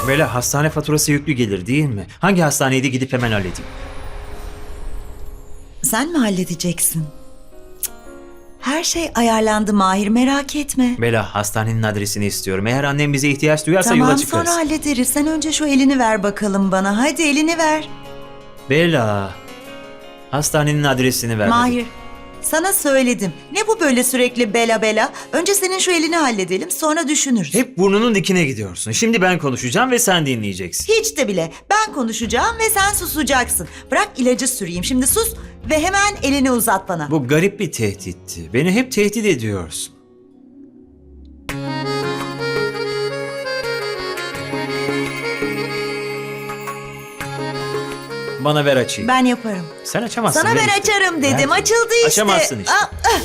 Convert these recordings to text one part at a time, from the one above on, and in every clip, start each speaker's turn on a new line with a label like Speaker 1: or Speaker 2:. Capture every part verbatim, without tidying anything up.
Speaker 1: Bela, hastane faturası yüklü gelir değil mi? Hangi hastaneydi, gidip hemen halledeyim.
Speaker 2: Sen mi halledeceksin? Cık. Her şey ayarlandı Mahir, merak etme.
Speaker 1: Bela, hastanenin adresini istiyorum. Eğer annem bize ihtiyaç duyarsa yola
Speaker 2: Tamam,
Speaker 1: çıkarız.
Speaker 2: sonra hallederiz. Sen önce şu elini ver bakalım bana. Hadi elini ver.
Speaker 1: Bela, hastanenin adresini ver.
Speaker 2: Mahir, sana söyledim. Ne bu böyle sürekli bela bela? Önce senin şu elini halledelim, sonra düşünürüz.
Speaker 1: Hep burnunun dikine gidiyorsun. Şimdi ben konuşacağım ve sen dinleyeceksin.
Speaker 2: Hiç de bile. Ben konuşacağım ve sen susacaksın. Bırak ilacı süreyim. Şimdi sus ve hemen elini uzat bana.
Speaker 1: Bu garip bir tehditti. Beni hep tehdit ediyorsun. Bana ver açayım.
Speaker 2: Ben yaparım.
Speaker 1: Sen açamazsın.
Speaker 2: Sana
Speaker 1: ver
Speaker 2: ben
Speaker 1: işte.
Speaker 2: açarım dedim.
Speaker 1: Ver.
Speaker 2: Açıldı işte.
Speaker 1: Açamazsın işte.
Speaker 2: Aa, ah.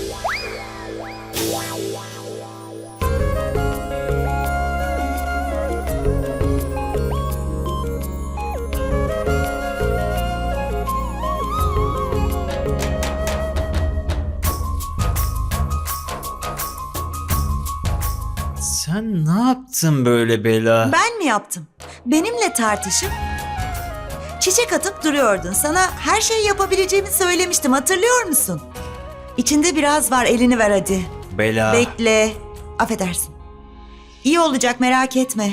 Speaker 1: Sen ne yaptın böyle Bela?
Speaker 2: Ben mi yaptım? Benimle tartışıp çiçek atıp duruyordun. Sana her şeyi yapabileceğimi söylemiştim. Hatırlıyor musun? İçinde biraz var. Elini ver hadi.
Speaker 1: Bela.
Speaker 2: Bekle. Affedersin. İyi olacak, merak etme.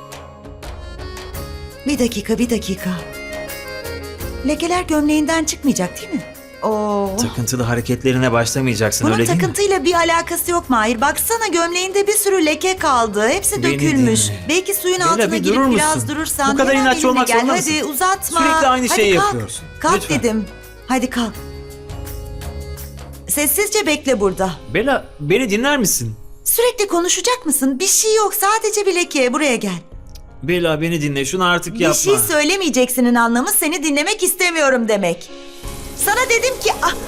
Speaker 2: Bir dakika, bir dakika. Lekeler gömleğinden çıkmayacak değil mi? Oo.
Speaker 1: Takıntılı hareketlerine başlamayacaksın,
Speaker 2: Bunun
Speaker 1: öyle değil mi?
Speaker 2: takıntıyla bir alakası yok Mahir. Baksana, gömleğinde bir sürü leke kaldı. Hepsi
Speaker 1: Beni
Speaker 2: dökülmüş.
Speaker 1: dinle.
Speaker 2: Belki suyun
Speaker 1: Bela,
Speaker 2: altına
Speaker 1: bir
Speaker 2: girip
Speaker 1: durur
Speaker 2: biraz
Speaker 1: musun?
Speaker 2: durursan.
Speaker 1: Bu kadar
Speaker 2: hemen
Speaker 1: inatçı
Speaker 2: benimle
Speaker 1: olmak
Speaker 2: gel.
Speaker 1: zorunda
Speaker 2: Hadi
Speaker 1: mısın?
Speaker 2: uzatma.
Speaker 1: Sürekli aynı
Speaker 2: Hadi
Speaker 1: şeyi
Speaker 2: kalk.
Speaker 1: yapıyorsun.
Speaker 2: Kalk
Speaker 1: Lütfen.
Speaker 2: dedim. Hadi kalk. Sessizce bekle burada.
Speaker 1: Bela, beni dinler misin?
Speaker 2: Sürekli konuşacak mısın? Bir şey yok. Sadece bir leke. Buraya gel.
Speaker 1: Bela, beni dinle. Şunu artık
Speaker 2: Bir
Speaker 1: yapma.
Speaker 2: şey söylemeyeceksinin anlamı seni dinlemek istemiyorum demek. Sana dedim ki... Ah.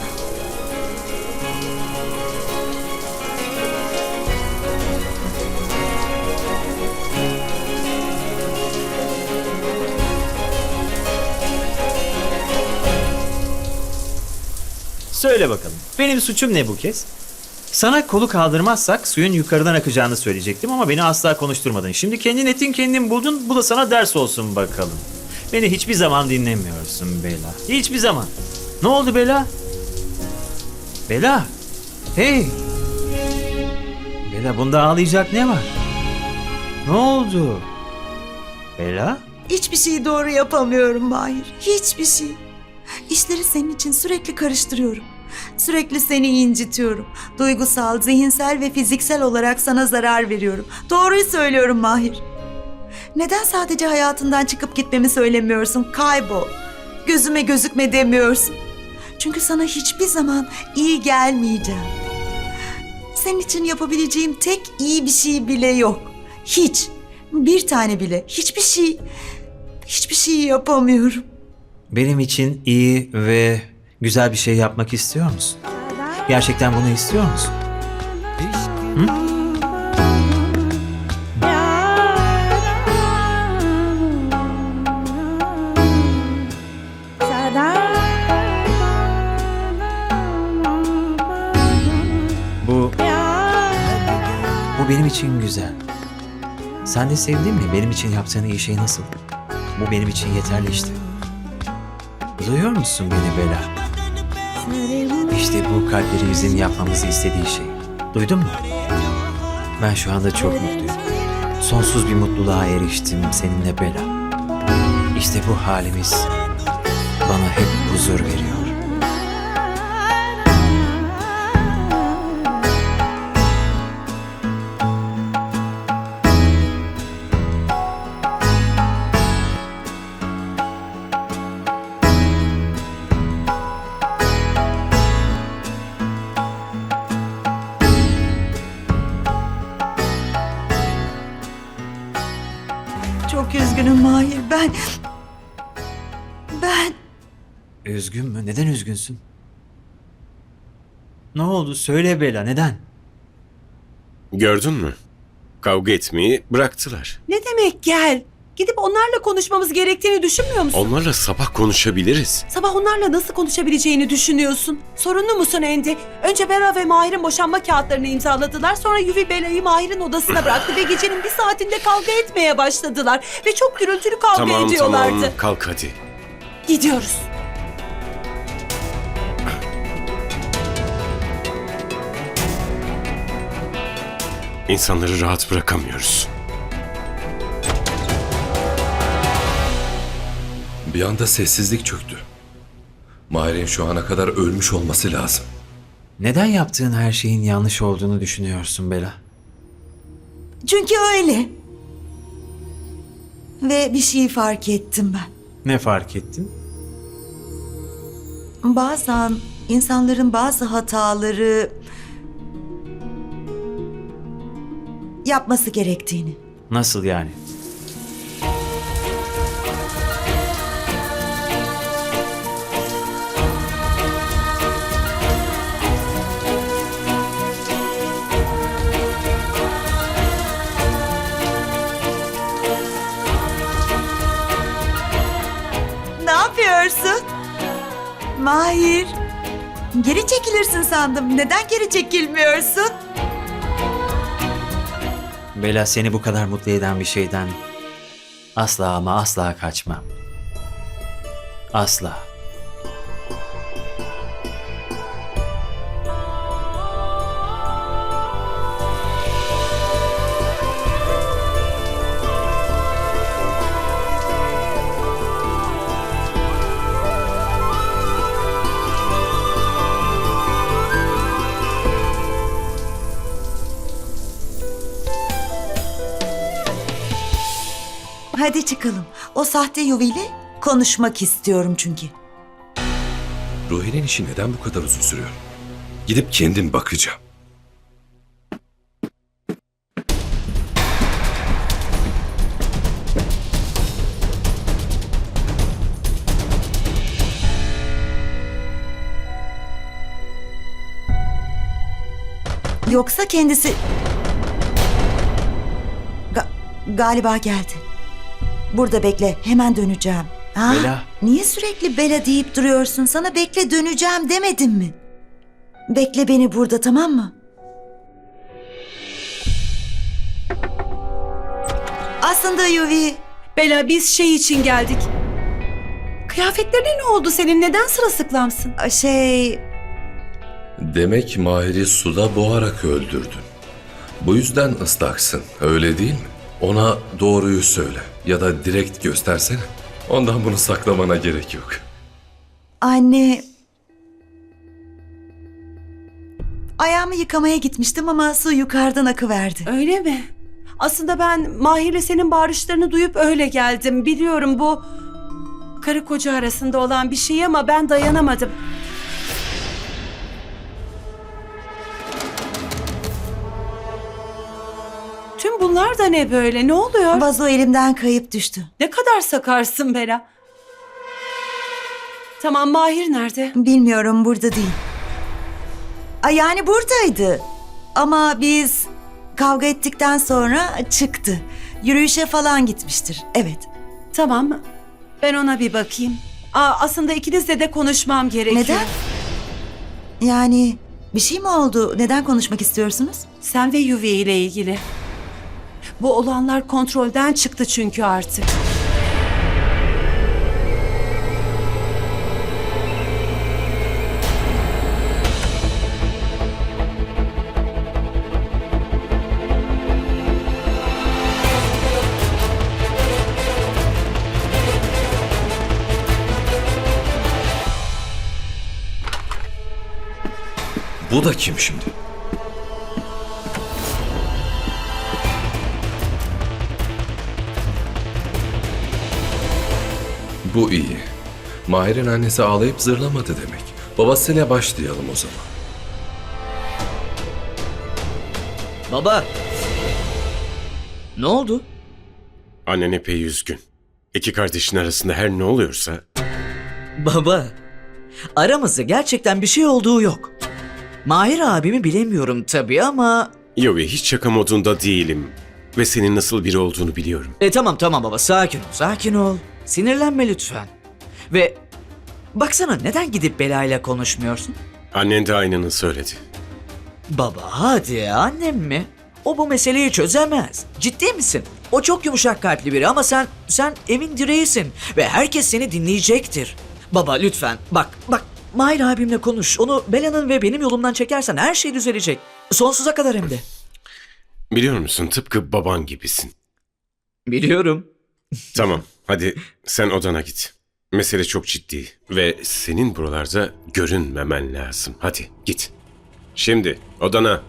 Speaker 1: Söyle bakalım. Benim suçum ne bu kez? Sana kolu kaldırmazsak suyun yukarıdan akacağını söyleyecektim ama beni asla konuşturmadın. Şimdi kendin ettin, kendin buldun. Bu da sana ders olsun bakalım. Beni hiçbir zaman dinlemiyorsun Bela. Hiçbir zaman. Ne oldu Bela? Bela. Hey. Bela, bunda ağlayacak ne var? Ne oldu? Bela?
Speaker 2: Hiçbir şeyi doğru yapamıyorum Mahir. Hiçbir şey. İşleri senin için sürekli karıştırıyorum. Sürekli seni incitiyorum. Duygusal, zihinsel ve fiziksel olarak sana zarar veriyorum. Doğruyu söylüyorum Mahir. Neden sadece hayatından çıkıp gitmemi söylemiyorsun? Kaybol. Gözüme gözükme demiyorsun. Çünkü sana hiçbir zaman iyi gelmeyeceğim. Senin için yapabileceğim tek iyi bir şey bile yok. Hiç. Bir tane bile. Hiçbir şey. Hiçbir şey yapamıyorum.
Speaker 1: Benim için iyi ve güzel bir şey yapmak istiyor musun? Gerçekten bunu istiyor musun? Hı? Bu... Bu benim için güzel. Sen de sevdin mi? Benim için yaptığın iyi şey nasıl? Bu benim için yeterli işte. Duyuyor musun beni Bela? İşte bu kalplerimizin yapmamızı istediği şey. Duydun mu? Ben şu anda çok mutluyum. Sonsuz bir mutluluğa eriştim seninle Bela. İşte bu halimiz bana hep huzur veriyor.
Speaker 2: Çok üzgünüm Mahir. Ben... Ben...
Speaker 1: Üzgün mü? Neden üzgünsün? Ne oldu? Söyle Bela, neden?
Speaker 3: Gördün mü? Kavga etmeyi bıraktılar.
Speaker 2: Ne demek gel?
Speaker 3: Gidip onlarla konuşmamız gerektiğini düşünmüyor musun?
Speaker 4: Onlarla sabah konuşabiliriz.
Speaker 3: Sabah onlarla nasıl konuşabileceğini düşünüyorsun. Sorunlu musun Andy? Önce Bera ve Mahir'in boşanma kağıtlarını imzaladılar. Sonra Yuvi Bela'yı Mahir'in odasına bıraktı ve gecenin bir saatinde kavga etmeye başladılar. Ve çok gürültülü kavga
Speaker 4: Tamam
Speaker 3: ediyorlardı.
Speaker 4: tamam kalk hadi.
Speaker 3: Gidiyoruz.
Speaker 4: İnsanları rahat bırakamıyoruz.
Speaker 5: Bir anda sessizlik çöktü. Mahir'in şu ana kadar ölmüş olması lazım.
Speaker 1: Neden yaptığın her şeyin yanlış olduğunu düşünüyorsun Bela?
Speaker 2: Çünkü öyle. Ve bir şeyi fark ettim ben.
Speaker 1: Ne fark ettin?
Speaker 2: Bazen insanların bazı hataları yapması gerektiğini.
Speaker 1: Nasıl yani?
Speaker 2: Ne yapıyorsun? Mahir. Geri çekilirsin sandım. Neden geri çekilmiyorsun?
Speaker 1: Bela, seni bu kadar mutlu eden bir şeyden asla ama asla kaçmam. Asla.
Speaker 2: Hadi çıkalım. O sahte yuviyle konuşmak istiyorum çünkü.
Speaker 5: Ruhi'nin işi neden bu kadar uzun sürüyor? Gidip kendim bakacağım.
Speaker 2: Yoksa kendisi... Ga- galiba geldi. Burada bekle. Hemen döneceğim. Ha?
Speaker 1: Bela.
Speaker 2: Niye sürekli Bela deyip duruyorsun? Sana bekle döneceğim demedim mi? Bekle beni burada, tamam mı? Aslında Yuvi...
Speaker 3: Bela, biz şey için geldik. Kıyafetlerine ne oldu senin? Neden sırılsıklamsın?
Speaker 2: Şey...
Speaker 5: Demek Mahir'i suda boğarak öldürdün. Bu yüzden ıslaksın, öyle değil mi? Ona doğruyu söyle ya da direkt göstersene. Ondan bunu saklamana gerek yok.
Speaker 2: Anne... Ayağımı yıkamaya gitmiştim ama su yukarıdan akıverdi.
Speaker 3: Öyle mi? Aslında ben Mahir'le senin bağırışlarını duyup öyle geldim. Biliyorum bu karı koca arasında olan bir şey ama ben dayanamadım. Tüm bunlar da ne böyle? Ne oluyor?
Speaker 2: Vazo elimden kayıp düştü.
Speaker 3: Ne kadar sakarsın Bela. Tamam, Mahir nerede?
Speaker 2: Bilmiyorum, burada değil. Ay, yani buradaydı. Ama biz kavga ettikten sonra çıktı. Yürüyüşe falan gitmiştir. Evet.
Speaker 3: Tamam. Ben ona bir bakayım. Aa, aslında ikinizle de konuşmam gerekiyor.
Speaker 2: Neden? Yani bir şey mi oldu? Neden konuşmak istiyorsunuz?
Speaker 3: Sen ve Yuvi ile ilgili. Bu olanlar kontrolden çıktı çünkü artık.
Speaker 5: Bu da kim şimdi? Bu iyi. Mahir'in annesi ağlayıp zırlamadı demek. Babasıyla başlayalım o zaman.
Speaker 6: Baba. Ne oldu?
Speaker 4: Annen epey üzgün. İki kardeşin arasında her ne oluyorsa...
Speaker 6: Baba. Aramızda gerçekten bir şey olduğu yok. Mahir abimi bilemiyorum tabii ama...
Speaker 4: Yovi, hiç şaka modunda değilim. Ve senin nasıl biri olduğunu biliyorum.
Speaker 6: E tamam tamam baba, sakin ol, sakin ol. Sinirlenme lütfen. Ve baksana, neden gidip Bela ile konuşmuyorsun?
Speaker 4: Annen de aynını söyledi.
Speaker 6: Baba hadi, annem mi? O bu meseleyi çözemez. Ciddi misin? O çok yumuşak kalpli biri ama sen, sen evin direğisin. Ve herkes seni dinleyecektir. Baba lütfen, bak, bak. Mahir abimle konuş. Onu Bela'nın ve benim yolumdan çekersen her şey düzelecek. Sonsuza kadar hem de.
Speaker 4: Biliyor musun, tıpkı baban gibisin.
Speaker 6: Biliyorum.
Speaker 4: Tamam, hadi sen odana git. Mesele çok ciddi ve senin buralarda görünmemen lazım. Hadi git. Şimdi odana.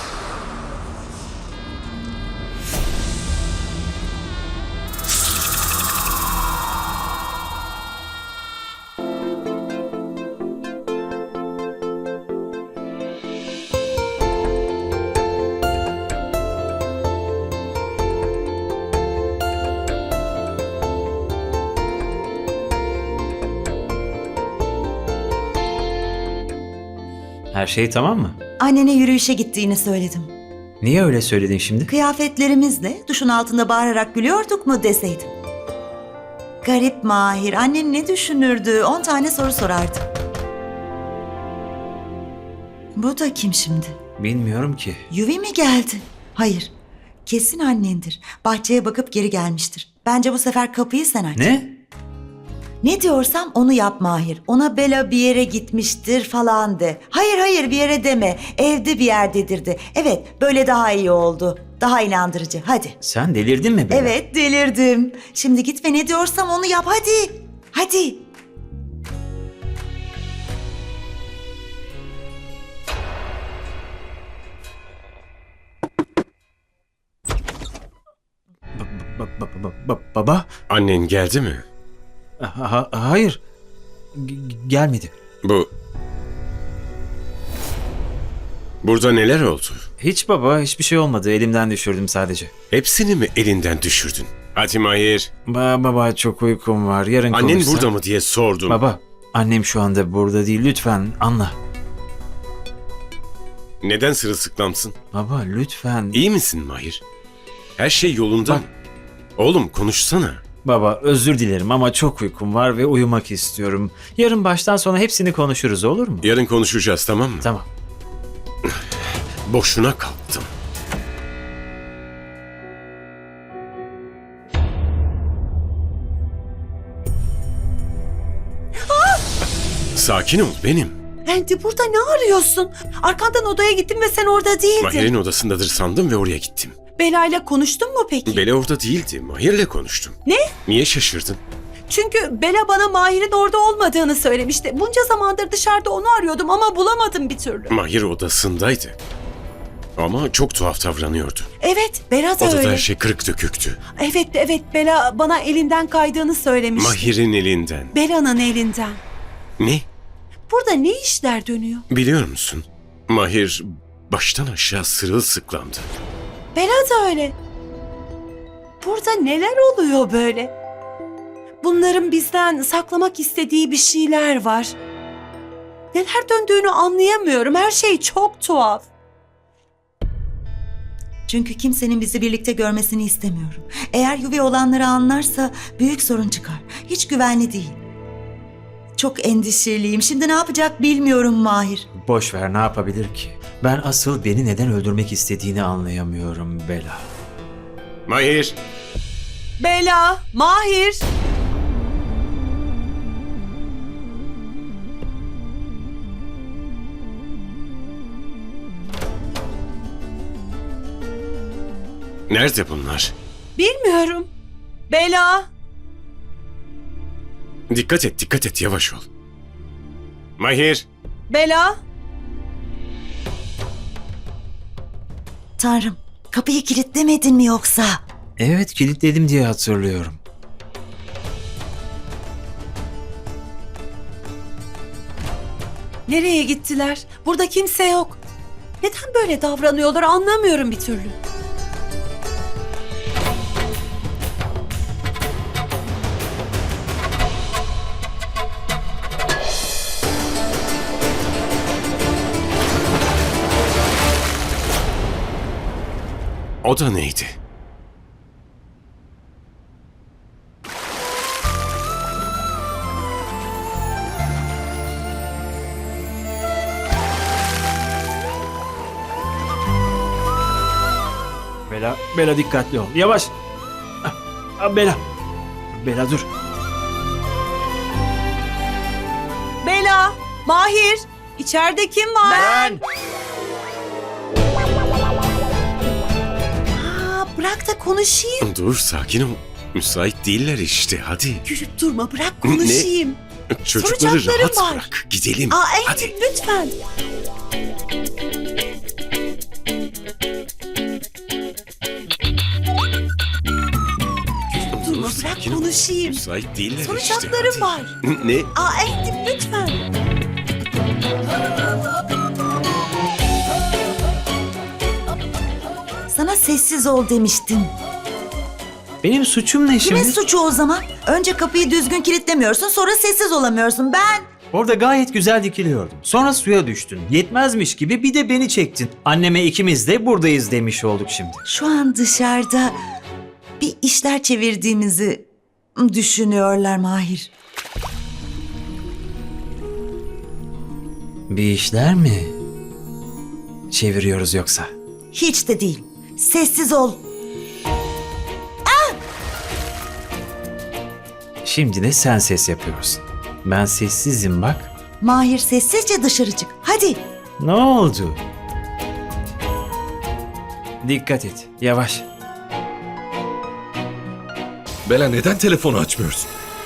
Speaker 1: Her şey tamam mı?
Speaker 2: Annene yürüyüşe gittiğini söyledim.
Speaker 1: Niye öyle söyledin şimdi?
Speaker 2: Kıyafetlerimizle duşun altında bağırarak gülüyorduk mu deseydim. Garip Mahir, annen ne düşünürdü? On tane soru sorardı. Bu da kim şimdi?
Speaker 1: Bilmiyorum ki.
Speaker 2: Yuvi mi geldi? Hayır, kesin annendir. Bahçeye bakıp geri gelmiştir. Bence bu sefer kapıyı sen aç.
Speaker 1: Ne?
Speaker 2: Ne diyorsam onu yap Mahir. Ona Bela bir yere gitmiştir falan de. Hayır hayır bir yere deme. Evde bir yerdedir de. Evet böyle daha iyi oldu. Daha inandırıcı. Hadi.
Speaker 1: Sen delirdin mi Bela?
Speaker 2: Evet delirdim. Şimdi git ve ne diyorsam onu yap hadi. Hadi.
Speaker 1: Ba- ba- ba- ba- baba?
Speaker 4: Annen geldi mi?
Speaker 1: Ha- ha- hayır. G- gelmedi.
Speaker 4: Bu... Burada neler oldu?
Speaker 1: Hiç baba, hiçbir şey olmadı. Elimden düşürdüm sadece.
Speaker 4: Hepsini mi elinden düşürdün? Hadi Mahir.
Speaker 1: Ba- baba çok uykum var. Yarın
Speaker 4: Annen
Speaker 1: konuşsak.
Speaker 4: burada mı diye sordum.
Speaker 1: Baba, annem şu anda burada değil. Lütfen anla.
Speaker 4: Neden sırılsıklamsın?
Speaker 1: Baba lütfen.
Speaker 4: İyi misin Mahir? Her şey yolunda mı? Oğlum konuşsana.
Speaker 1: Baba özür dilerim ama çok uykum var ve uyumak istiyorum. Yarın baştan sona hepsini konuşuruz, olur mu?
Speaker 4: Yarın konuşacağız, tamam mı?
Speaker 1: Tamam.
Speaker 4: Boşuna kalktım. Sakin ol benim.
Speaker 3: Andy, burada ne arıyorsun? Arkandan odaya gittim ve sen orada değildin.
Speaker 4: Mahir'in odasındadır sandım ve oraya gittim.
Speaker 3: Bela ile konuştun mu peki?
Speaker 4: Bela orada değildi. Mahir'le konuştum.
Speaker 3: Ne?
Speaker 4: Niye şaşırdın?
Speaker 3: Çünkü Bela bana Mahir'in orada olmadığını söylemişti. Bunca zamandır dışarıda onu arıyordum ama bulamadım bir türlü.
Speaker 4: Mahir odasındaydı. Ama çok tuhaf davranıyordu.
Speaker 3: Evet, Bela da
Speaker 4: Odada
Speaker 3: öyle.
Speaker 4: her şey kırık döküktü.
Speaker 3: Evet, evet, Bela bana elinden kaydığını söylemişti.
Speaker 4: Mahir'in elinden.
Speaker 3: Bela'nın elinden.
Speaker 4: Ne?
Speaker 3: Burada ne işler dönüyor?
Speaker 4: Biliyor musun? Mahir baştan aşağı sırılsıklamdı.
Speaker 3: Bela da öyle. Burada neler oluyor böyle? Bunların bizden saklamak istediği bir şeyler var. Neler döndüğünü anlayamıyorum. Her şey çok tuhaf.
Speaker 2: Çünkü kimsenin bizi birlikte görmesini istemiyorum. Eğer Yuvi olanları anlarsa büyük sorun çıkar. Hiç güvenli değil. Çok endişeliyim. Şimdi ne yapacak bilmiyorum Mahir.
Speaker 1: Boş ver, ne yapabilir ki? Ben asıl beni neden öldürmek istediğini anlayamıyorum Bela.
Speaker 4: Mahir!
Speaker 3: Bela, Mahir.
Speaker 4: Nerede bunlar?
Speaker 3: Bilmiyorum. Bela.
Speaker 4: Dikkat et, dikkat et, yavaş ol. Mahir!
Speaker 3: Bela.
Speaker 2: Tanrım, kapıyı kilitlemedin mi yoksa?
Speaker 1: Evet, kilitledim diye hatırlıyorum.
Speaker 3: Nereye gittiler? Burada kimse yok. Neden böyle davranıyorlar anlamıyorum bir türlü.
Speaker 4: O da neydi?
Speaker 1: Bela, Bela dikkatli ol. Yavaş. Ah, ah, Bela. Bela dur.
Speaker 3: Bela, Mahir, içeride kim var?
Speaker 1: Ben.
Speaker 3: Aa, bırak da konuşayım.
Speaker 4: Dur sakin ol. Müsait değiller işte hadi.
Speaker 3: Gülüp durma, bırak konuşayım.
Speaker 4: Çocukları
Speaker 3: Soracaklarım
Speaker 4: rahat
Speaker 3: var.
Speaker 4: bırak. Gidelim.
Speaker 3: Aa, Andy,
Speaker 4: Hadi.
Speaker 3: lütfen. Gülüp durma, bırak
Speaker 4: sakin ol.
Speaker 3: konuşayım.
Speaker 4: Müsait değiller
Speaker 3: Soracaklarım
Speaker 4: işte.
Speaker 3: var.
Speaker 4: hadi. Ne?
Speaker 3: Aa, Andy, lütfen.
Speaker 2: Sana sessiz ol demiştim.
Speaker 1: Benim suçum ne şimdi?
Speaker 2: Kimin suçu o zaman? Önce kapıyı düzgün kilitlemiyorsun, sonra sessiz olamıyorsun. Ben...
Speaker 1: Orada gayet güzel dikiliyordum. Sonra suya düştün. Yetmezmiş gibi bir de beni çektin. Anneme ikimiz de buradayız demiş olduk şimdi.
Speaker 2: Şu an dışarıda bir işler çevirdiğimizi düşünüyorlar Mahir.
Speaker 1: Bir işler mi çeviriyoruz yoksa?
Speaker 2: Hiç de değil. Sessiz ol.
Speaker 1: Şimdi de sen ses yapıyorsun. Ben sessizim bak.
Speaker 2: Mahir sessizce dışarı çık. Hadi.
Speaker 1: Ne oldu? Dikkat et. Yavaş.
Speaker 5: Bela neden telefonu açmıyorsun?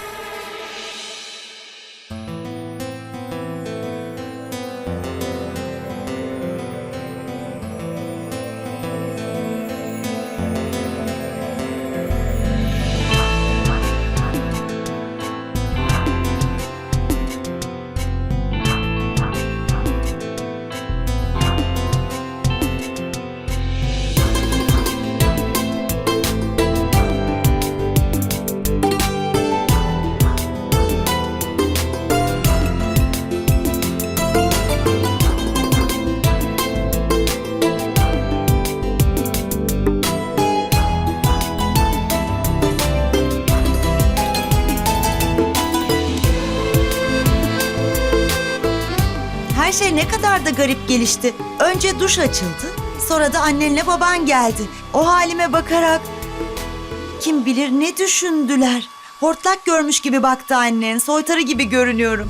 Speaker 2: Her şey ne kadar da garip gelişti. Önce duş açıldı. Sonra da annenle baban geldi. O halime bakarak kim bilir ne düşündüler. Hortlak görmüş gibi baktı annen. Soytarı gibi görünüyorum.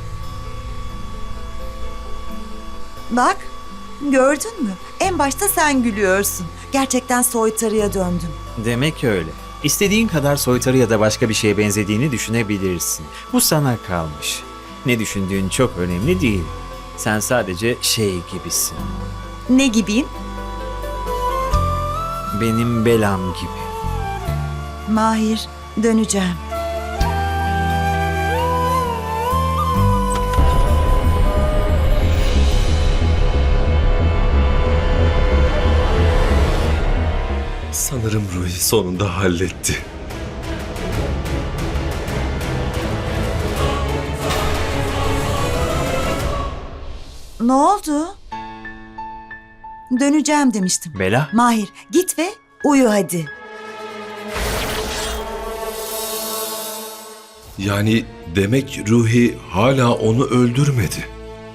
Speaker 2: Bak, gördün mü? En başta sen gülüyorsun. Gerçekten soytarıya döndüm.
Speaker 1: Demek öyle. İstediğin kadar soytarı ya da başka bir şeye benzediğini düşünebilirsin. Bu sana kalmış. Ne düşündüğün çok önemli değil. Sen sadece şey gibisin.
Speaker 2: Ne gibiyim?
Speaker 1: Benim belam gibi.
Speaker 2: Mahir, döneceğim.
Speaker 5: Sanırım Ruhi sonunda halletti.
Speaker 2: Ne oldu? Döneceğim demiştim.
Speaker 1: Bela?
Speaker 2: Mahir, git ve uyu hadi.
Speaker 5: Yani demek Ruhi hala onu öldürmedi.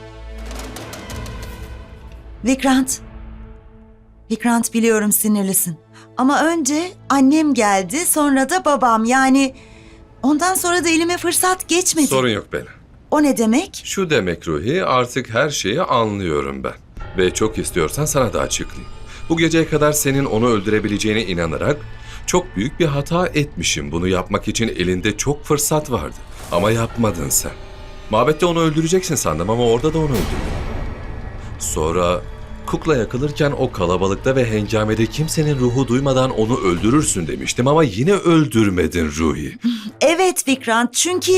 Speaker 2: Vikrant. Vikrant, biliyorum sinirlisin. Ama önce annem geldi, sonra da babam. Yani ondan sonra da elime fırsat geçmedi.
Speaker 5: Sorun yok Bela.
Speaker 2: O ne demek?
Speaker 5: Şu demek Ruhi, artık her şeyi anlıyorum ben. Ve çok istiyorsan sana da açıklayayım. Bu geceye kadar senin onu öldürebileceğine inanarak çok büyük bir hata etmişim. Bunu yapmak için elinde çok fırsat vardı. Ama yapmadın sen. Mabette onu öldüreceksin sandım ama orada da onu öldürdün. Sonra kukla yakılırken o kalabalıkta ve hengamede kimsenin ruhu duymadan onu öldürürsün demiştim ama yine öldürmedin Ruhi.
Speaker 2: Evet Vikrant, çünkü...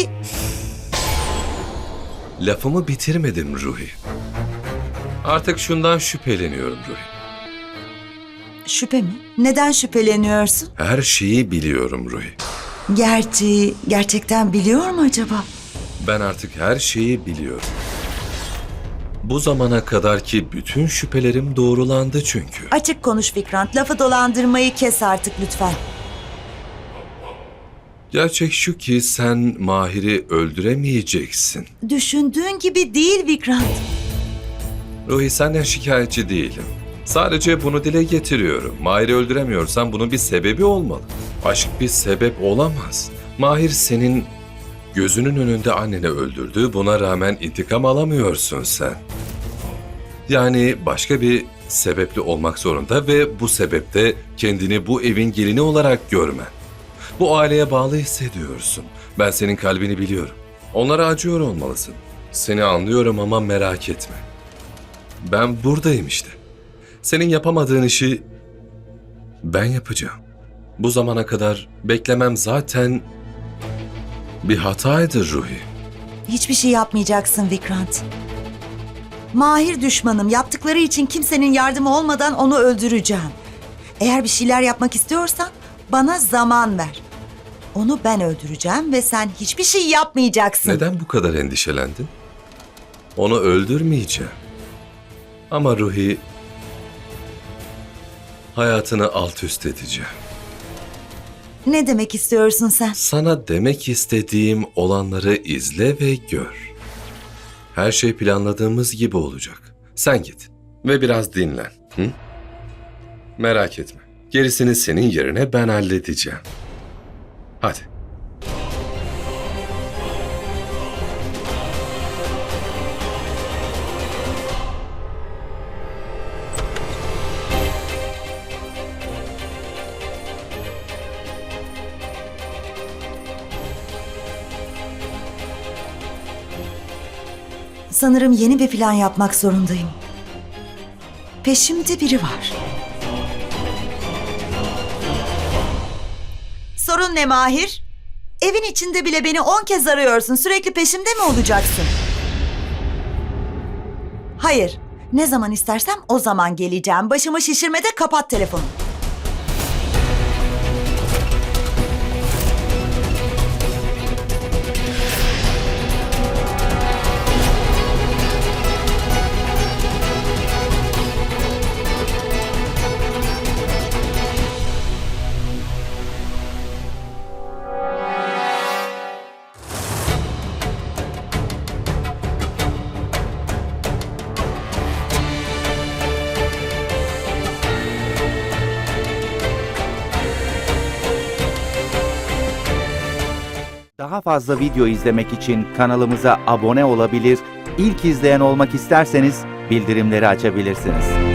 Speaker 5: Lafımı bitirmedim Ruhi. Artık şundan şüpheleniyorum Ruhi.
Speaker 2: Şüphe mi? Neden şüpheleniyorsun?
Speaker 5: Her şeyi biliyorum Ruhi.
Speaker 2: Gerçi gerçekten biliyor mu acaba?
Speaker 5: Ben artık her şeyi biliyorum. Bu zamana kadarki bütün şüphelerim doğrulandı çünkü.
Speaker 2: Açık konuş Vikrant, lafı dolandırmayı kes artık lütfen.
Speaker 5: Gerçek şu ki sen Mahir'i öldüremeyeceksin.
Speaker 2: Düşündüğün gibi değil Vikrant.
Speaker 5: Ruhi senden şikayetçi değilim. Sadece bunu dile getiriyorum. Mahir'i öldüremiyorsan bunun bir sebebi olmalı. Aşk bir sebep olamaz. Mahir senin gözünün önünde anneni öldürdü. Buna rağmen intikam alamıyorsun sen. Yani başka bir sebepli olmak zorunda ve bu sebepte kendini bu evin gelini olarak görmen. Bu aileye bağlı hissediyorsun. Ben senin kalbini biliyorum. Onlara acıyor olmalısın. Seni anlıyorum ama merak etme. Ben buradayım işte. Senin yapamadığın işi ben yapacağım. Bu zamana kadar beklemem zaten bir hataydı Ruhi.
Speaker 2: Hiçbir şey yapmayacaksın Vikrant. Mahir düşmanım. Yaptıkları için kimsenin yardımı olmadan onu öldüreceğim. Eğer bir şeyler yapmak istiyorsan bana zaman ver. Onu ben öldüreceğim ve sen hiçbir şey yapmayacaksın.
Speaker 5: Neden bu kadar endişelendin? Onu öldürmeyeceğim. Ama Ruhi, hayatını alt üst edeceğim.
Speaker 2: Ne demek istiyorsun sen?
Speaker 5: Sana demek istediğim olanları izle ve gör. Her şey planladığımız gibi olacak. Sen git ve biraz dinlen. Hı? Merak etme. Gerisini senin yerine ben halledeceğim. Hadi.
Speaker 2: Sanırım yeni bir plan yapmak zorundayım. Peşimde biri var. Sorun ne Mahir? Evin içinde bile beni on kez arıyorsun. Sürekli peşimde mi olacaksın? Hayır. Ne zaman istersem o zaman geleceğim. Başımı şişirme de kapat telefonu.
Speaker 7: Daha fazla video izlemek için kanalımıza abone olabilir, ilk izleyen olmak isterseniz bildirimleri açabilirsiniz.